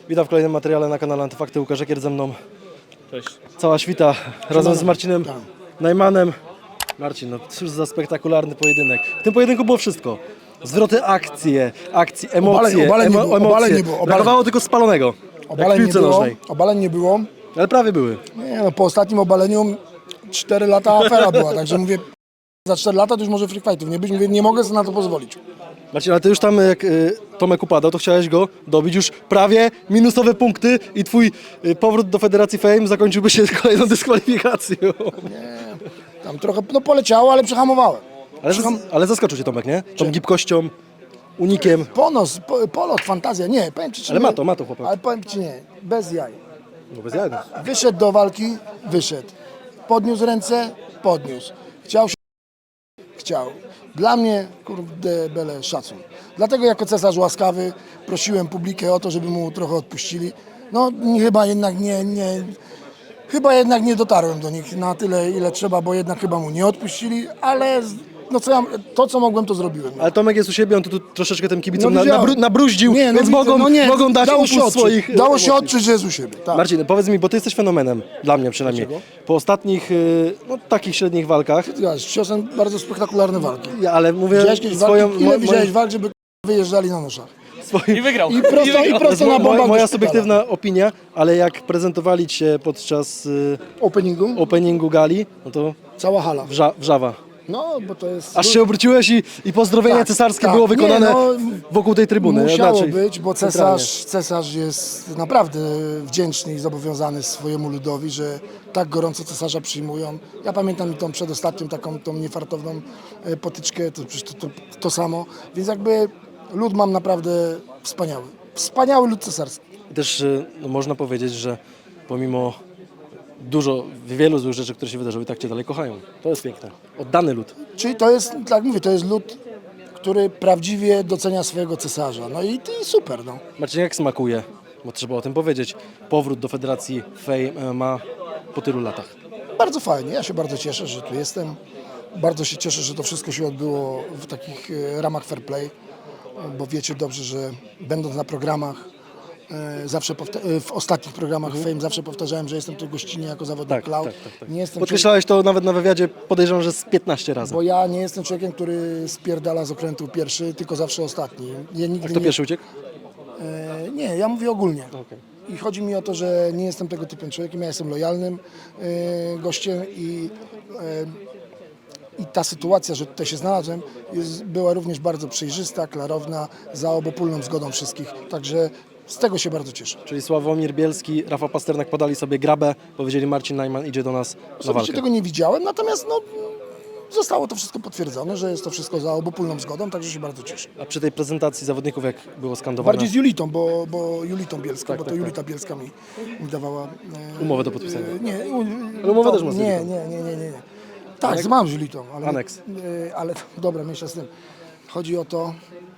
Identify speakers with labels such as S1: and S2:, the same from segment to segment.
S1: Witam w kolejnym materiale na kanale Antyfakty. Łukasz Ekier ze mną.
S2: Cześć.
S1: Cała świta razem z Marcinem Najmanem. Marcin, no cóż za spektakularny pojedynek. W tym pojedynku było wszystko. Zwroty akcji, emocje,
S3: Obaleń nie było.
S1: Brakowało tylko spalonego. Jak w piłce nożnej.
S3: Obaleń nie było.
S1: Ale prawie były.
S3: Nie, no, po ostatnim obaleniu 4 lata afera była, także mówię, za 4 lata to już może free fightów nie być, mówię, nie mogę sobie na to pozwolić.
S1: Marcin, ale ty już tam jak Tomek upadał, to chciałeś go dobić już prawie minusowe punkty i twój powrót do Federacji Fame zakończyłby się kolejną dyskwalifikacją.
S3: Tam trochę, no poleciało, ale przehamowałem.
S1: Ale zaskoczył cię Tomek, nie? Tą gibkością, unikiem.
S3: Ponos, polot, fantazja, nie, powiem ci, czy
S1: Ale
S3: nie,
S1: ma to chłopak.
S3: ale powiem ci nie, bez jaj.
S1: No bez jaj.
S3: Wyszedł do walki, wyszedł. Podniósł ręce, podniósł. Chciał się, chciał. Dla mnie, kurde, bele szacun. Dlatego jako cesarz łaskawy prosiłem publikę o to, żeby mu trochę odpuścili. No chyba jednak nie dotarłem do nich na tyle, ile trzeba, bo jednak chyba mu nie odpuścili, ale no to, co mogłem, to zrobiłem.
S1: Ale Tomek jest u siebie, on tu troszeczkę tym kibicom
S3: widziałem.
S1: nabruździł,
S3: Nie, no
S1: więc
S3: widzę,
S1: mogą dać
S3: dało się
S1: upust
S3: odczuć,
S1: swoich
S3: dało się
S1: emocji.
S3: odczuć, że jest u siebie. Tak.
S1: Marcin, powiedz mi, bo ty jesteś fenomenem, dla mnie przynajmniej.
S3: Dlaczego?
S1: Po ostatnich, no takich średnich walkach,
S3: Ciosem bardzo spektakularne walki.
S1: ale mówię
S3: Widziałeś kiedyś walki? Ile widziałeś walk, żeby wyjeżdżali na noszach?
S2: I wygrał.
S3: I prosto na bombach
S1: moja
S3: do szpitala.
S1: subiektywna opinia, ale jak prezentowali cię podczas
S3: Openingu?
S1: gali, no to
S3: Cała hala.
S1: wrzawa.
S3: No, bo to jest...
S1: Aż się obróciłeś i pozdrowienie
S3: Tak,
S1: cesarskie
S3: tak.
S1: było wykonane
S3: Nie, no,
S1: wokół tej trybuny.
S3: Musiało
S1: Znaczy,
S3: być, bo
S1: centralnie.
S3: cesarz jest naprawdę wdzięczny i zobowiązany swojemu ludowi, że tak gorąco cesarza przyjmują. Ja pamiętam tą przedostatnią taką tą niefartowną potyczkę, to przecież to samo. Więc jakby lud mam naprawdę wspaniały. Wspaniały lud cesarski.
S1: I też no, można powiedzieć, że pomimo wielu złych rzeczy, które się wydarzyły, tak cię dalej kochają. To jest piękne. Oddany lud.
S3: Czyli to jest, tak mówię, to jest lud, który prawdziwie docenia swojego cesarza. No i super, no.
S1: Marcin, jak smakuje, bo trzeba o tym powiedzieć, powrót do Federacji Fame MMA po tylu latach?
S3: Bardzo fajnie, ja się bardzo cieszę, że tu jestem. Bardzo się cieszę, że to wszystko się odbyło w takich ramach fair play, bo wiecie dobrze, że będąc na programach, zawsze w ostatnich programach Fame zawsze powtarzałem, że jestem tu gościnnie jako zawodnik
S1: Tak,
S3: Cloud.
S1: tak.
S3: Nie jestem
S1: Podkreślałeś to nawet na wywiadzie, podejrzewam, że z 15 razy.
S3: bo ja nie jestem człowiekiem, który spierdala z okrętu pierwszy, tylko zawsze ostatni. Ja nigdy
S1: A kto pierwszy uciekł?
S3: Nie, ja mówię ogólnie.
S1: Okej.
S3: I chodzi mi o to, że nie jestem tego typem człowiekiem, ja jestem lojalnym gościem i ta sytuacja, że tutaj się znalazłem, była również bardzo przejrzysta, klarowna, za obopólną zgodą wszystkich. Także z tego się bardzo cieszę.
S1: Czyli Sławomir Bielski, Rafał Pasternak podali sobie grabę, powiedzieli Marcin Najman idzie do nas na
S3: Osobiście
S1: walkę.
S3: tego nie widziałem, natomiast no, zostało to wszystko potwierdzone, że jest to wszystko za obopólną zgodą, także się bardzo cieszę.
S1: A przy tej prezentacji zawodników jak było skandowane?
S3: Bardziej z Julitą, bo Julitą Bielską,
S1: Tak,
S3: bo to
S1: tak,
S3: Julita Bielska mi dawała...
S1: Umowę do podpisania.
S3: Nie,
S1: Ale umowę też ma z
S3: nie,
S1: Julitą.
S3: nie. Tak, mam z Julitą, ale...
S1: Aneks.
S3: Ale dobra, mniejsza z tym. Chodzi o to,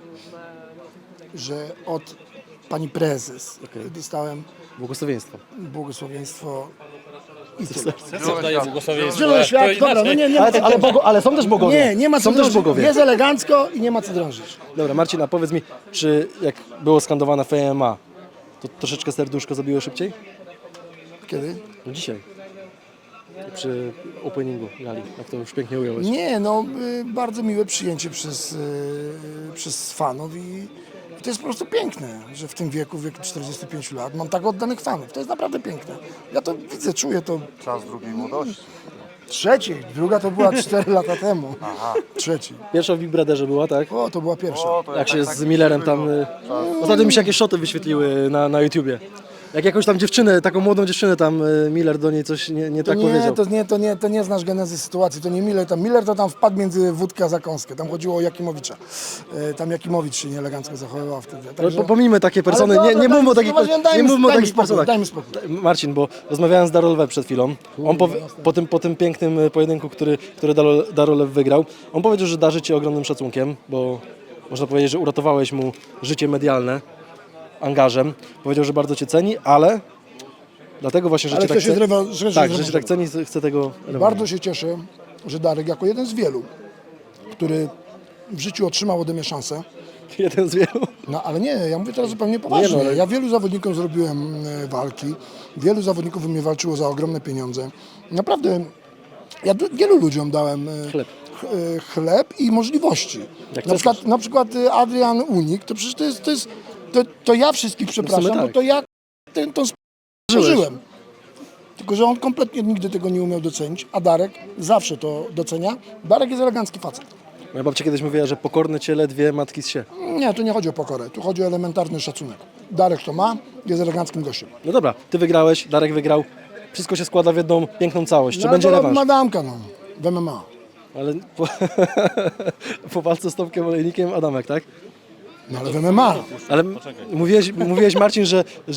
S3: że od pani prezes dostałem
S1: Błogosławieństwo.
S3: błogosławieństwo i tyle.
S2: Daję błogosławieństwo.
S3: Zielony świat, dobra, no nie ma co
S1: Ale są też bogowie.
S3: nie ma co
S1: Są też
S3: drążyć.
S1: bogowie.
S3: Jest elegancko i nie ma co drążyć.
S1: Dobra, Marcin, a powiedz mi, czy jak było skandowane FMA, to troszeczkę serduszko zabiło szybciej?
S3: Kiedy?
S1: No dzisiaj. Przy openingu gali, jak to już pięknie ująłeś.
S3: Nie, no bardzo miłe przyjęcie przez fanów i to jest po prostu piękne, że w tym wieku 45 lat mam tak oddanych fanów. To jest naprawdę piękne. Ja to widzę, czuję to.
S4: Czas drugiej młodości.
S3: Trzeciej, druga to była 4 lata temu. Trzeciej.
S1: Pierwsza w Big Brotherze była, tak?
S3: O, to była pierwsza.
S1: Jak się z Millerem tam... Ostatnio mi się jakieś szoty wyświetliły na YouTubie. Jak jakąś tam dziewczynę, taką młodą dziewczynę tam Miller do niej coś nie tak powiedział.
S3: To nie znasz genezy sytuacji, to nie Miller. Miller to tam wpadł między wódkę a zakąskę. Tam chodziło o Jakimowicza. Tam Jakimowicz się nieelegancko zachowywał wtedy. Także...
S1: Pomijmy takie persony,
S3: Ale dobra,
S1: nie mówmy o takich, nie mówmy o takich
S3: spokój,
S1: personach.
S3: daj mi spokój.
S1: Marcin, bo rozmawiałem z Darolew przed chwilą. On po tym pięknym pojedynku, który Darolew wygrał, on powiedział, że darzy Ci ogromnym szacunkiem, bo można powiedzieć, że uratowałeś mu życie medialne angażem. Powiedział, że bardzo Cię ceni, ale dlatego właśnie, że
S3: Ale
S1: Cię tak
S3: chce się
S1: ceni.
S3: zrewanżować.
S1: Tak, że Cię tak ceni, chce tego
S3: Bardzo się cieszę, że Darek jako jeden z wielu, który w życiu otrzymał ode mnie szansę,
S1: Jeden z wielu.
S3: No ale nie, ja mówię teraz zupełnie poważnie.
S1: Nie, no, ale-
S3: Ja wielu zawodnikom zrobiłem walki, wielu zawodników u mnie walczyło za ogromne pieniądze. Naprawdę, ja wielu ludziom dałem
S1: Chleb.
S3: chleb i możliwości.
S1: Jak
S3: Na
S1: chcesz.
S3: przykład Adrian Unik, to przecież to ja wszystkich przepraszam,
S1: tak.
S3: bo to ja tą żyłem. Tylko, że on kompletnie nigdy tego nie umiał docenić, a Darek zawsze to docenia. Darek jest elegancki facet.
S1: Moja babcia kiedyś mówiła, że pokorne ciele dwie matki z się.
S3: Nie, tu nie chodzi o pokorę, tu chodzi o elementarny szacunek. Darek to ma, jest eleganckim gościem.
S1: No dobra, ty wygrałeś, Darek wygrał. Wszystko się składa w jedną piękną całość. Czy
S3: No,
S1: będzie
S3: bo
S1: rewanż?
S3: Madamka, no, w MMA.
S1: Ale po walce z Tomkiem Olejnikiem Adamek, tak?
S3: No ale w MMA.
S1: Ale mówiłeś Marcin,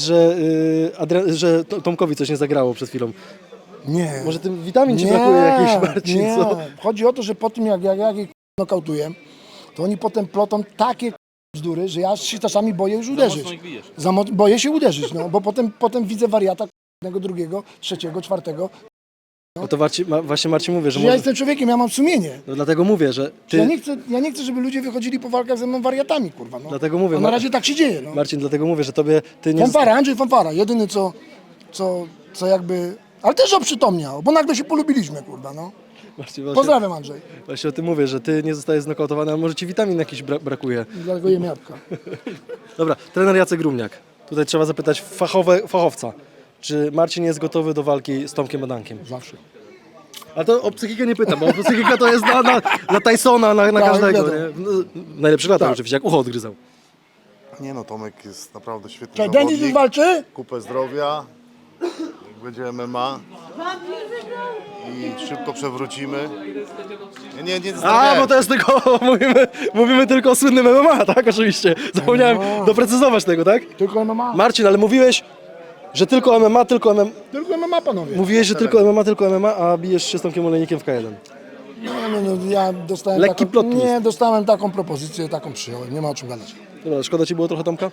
S1: że Tomkowi coś nie zagrało przed chwilą.
S3: Nie.
S1: Może tym witamin ci brakuje jakiś, Marcin,
S3: nie.
S1: co?
S3: Chodzi o to, że po tym jak ich nokautuję, to oni potem plotą takie bzdury, że ja się czasami boję już uderzyć.
S2: mocno ich bijesz.
S3: Boję się uderzyć, no, bo potem widzę wariata jednego, drugiego, trzeciego, czwartego.
S1: No to właśnie Marcin mówię, że
S3: Ja
S1: może...
S3: jestem człowiekiem, ja mam sumienie.
S1: No dlatego mówię, że
S3: Ja
S1: ty...
S3: nie chcę, żeby ludzie wychodzili po walkach ze mną wariatami, kurwa. No.
S1: Dlatego mówię,
S3: A na razie tak się dzieje, no.
S1: Marcin, dlatego mówię, że tobie... Ty nie...
S3: Fanfara, Andrzej Fanfara, jedyny co jakby... Ale też oprzytomniał, bo nagle się polubiliśmy, kurwa, no.
S1: Marcin, właśnie,
S3: Pozdrawiam, Andrzej.
S1: właśnie o tym mówię, że ty nie zostajesz znokautowany, a może ci witamin jakiś brakuje.
S3: Dlatego jem jabłka.
S1: Dobra, trener Jacek Grumniak. Tutaj trzeba zapytać fachowca. Czy Marcin jest gotowy do walki z Tomkiem Adankiem?
S3: Zawsze.
S1: A to o psychikę nie pytam, bo psychika to jest na Tysona, na
S3: Tak,
S1: każdego.
S3: wiadomo.
S1: Nie? No, najlepszych latach
S3: Tak.
S1: oczywiście, jak ucho odgryzał.
S4: Nie no, Tomek jest naprawdę świetny
S3: Czy Denis już
S4: zawodnik.
S3: walczy?
S4: Kupę zdrowia, jak będzie MMA i szybko przewrócimy. Nie
S1: A,
S4: zastanawiałem
S1: bo to jest tylko, mówimy tylko o słynnym MMA, tak? Oczywiście. Zapomniałem doprecyzować tego, tak?
S3: Tylko MMA.
S1: Marcin, ale mówiłeś, że tylko MMA, tylko MMA.
S3: Tylko MMA, panowie.
S1: Mówiłeś, że tylko MMA, a bijesz się z Tomkiem Olejnikiem w K1.
S3: No, ja dostałem
S1: Lekki plot twist.
S3: Nie, dostałem taką propozycję, taką przyjąłem. Nie ma o czym gadać.
S1: Dobra, szkoda ci było trochę Tomka?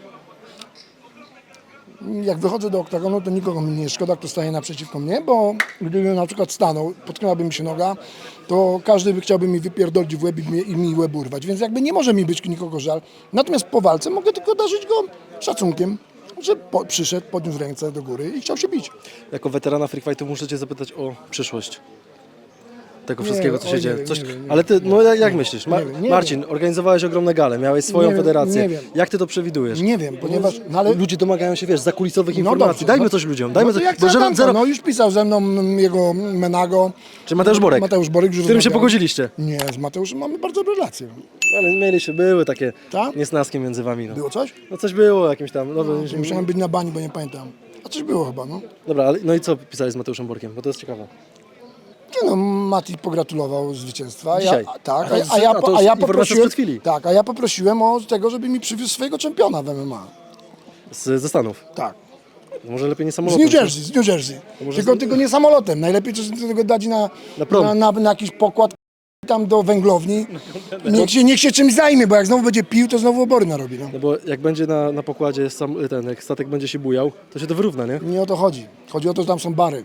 S3: Jak wychodzę do oktagonu, to nikogo mi nie jest szkoda, kto staje naprzeciwko mnie, bo gdybym na przykład stanął, potknęłaby mi się noga, to każdy by chciałby mi wypierdolić w łeb i mi łeb urwać, więc jakby nie może mi być nikogo żal. Natomiast po walce mogę tylko darzyć go szacunkiem, że przyszedł, podniósł ręce do góry i chciał się bić.
S1: Jako weterana Freak Fightu muszę cię zapytać o przyszłość tego
S3: Nie,
S1: wszystkiego, co się
S3: oj,
S1: dzieje.
S3: nie wiem,
S1: Coś...
S3: nie wiem, nie
S1: Ale ty, no jak myślisz?
S3: nie
S1: Marcin, organizowałeś ogromne gale, miałeś swoją
S3: Nie wiem,
S1: federację.
S3: nie wiem.
S1: Jak ty to przewidujesz?
S3: Nie wiem, ponieważ... No, ale...
S1: Ludzie domagają się, wiesz, zakulisowych
S3: No
S1: informacji.
S3: dobrze,
S1: Dajmy
S3: no-
S1: coś ludziom, dajmy
S3: no to
S1: coś.
S3: jak
S1: Bo
S3: zero... No już pisał ze mną jego Menago.
S1: Czy Mateusz Borek?
S3: Mateusz Borek,
S1: Z którym się pogodziliście?
S3: Nie, z Mateuszem mamy bardzo dobre relacje.
S1: Ale były takie
S3: Tak?
S1: niesnaski między wami. No.
S3: Było coś?
S1: No coś było jakimś tam. No,
S3: Musiałem być na bani, bo nie pamiętam. A coś było chyba, no.
S1: Dobra, ale, no i co pisałeś z Mateuszem Borkiem? Bo to jest ciekawe.
S3: Nie no, Mati pogratulował zwycięstwa.
S1: Dzisiaj.
S3: Tak,
S1: A to już informacja sprzed chwili.
S3: Tak, a ja poprosiłem o tego, żeby mi przywiózł swojego czempiona w MMA.
S1: Ze Stanów.
S3: Tak.
S1: Może lepiej nie
S3: Z
S1: samolotem.
S3: New Jersey.
S1: może
S3: Tylko nie samolotem. Najlepiej coś tego dać
S1: Na prom.
S3: na jakiś pokład tam do węglowni. Niech się czymś zajmie, bo jak znowu będzie pił, to znowu obory narobi. No.
S1: No bo jak będzie na pokładzie jak statek będzie się bujał, to się to wyrówna, nie?
S3: Nie o to chodzi. Chodzi o to, że tam są bary.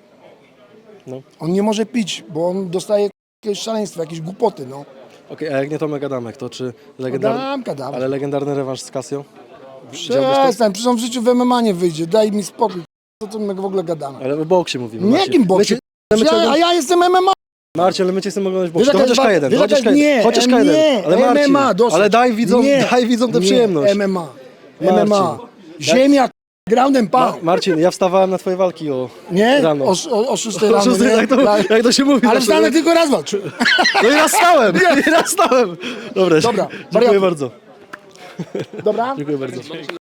S1: No.
S3: On nie może pić, bo on dostaje jakieś szaleństwo, jakieś głupoty, no.
S1: Okej, a jak nie Tomek Adamek, to czy
S3: Kadam.
S1: Ale legendarny rewanż z Casio?
S3: Przestań, przecież on w życiu w MMA nie wyjdzie, daj mi spokój. Co my w ogóle gadamy?
S1: Ale o boksie mówimy.
S3: Nie jakim boksie? A ja jestem MMA.
S1: Marcin, ale my cię chcemy oglądać w
S3: Wiesz,
S1: boksie. To
S3: jaka
S1: chociaż
S3: jest
S1: K1,
S3: nie,
S1: chociaż K1.
S3: nie,
S1: Ale Marcin,
S3: MMA, dosyć.
S1: ale daj widzom tę
S3: nie,
S1: przyjemność.
S3: MMA.
S1: Marcin.
S3: MMA. Ziemia, ground and pound.
S1: Marcin, ja wstawałem na twoje walki
S3: Nie?
S1: rano.
S3: O 6 rano, nie?
S1: Jak to się mówi?
S3: Ale
S1: zawsze,
S3: wstanę
S1: nie?
S3: tylko raz walcz.
S1: No i raz stałem, i raz stałem. Dobra,
S3: Dobra,
S1: dziękuję
S3: wariaty.
S1: bardzo.
S3: Dobra?
S1: Dziękuję bardzo.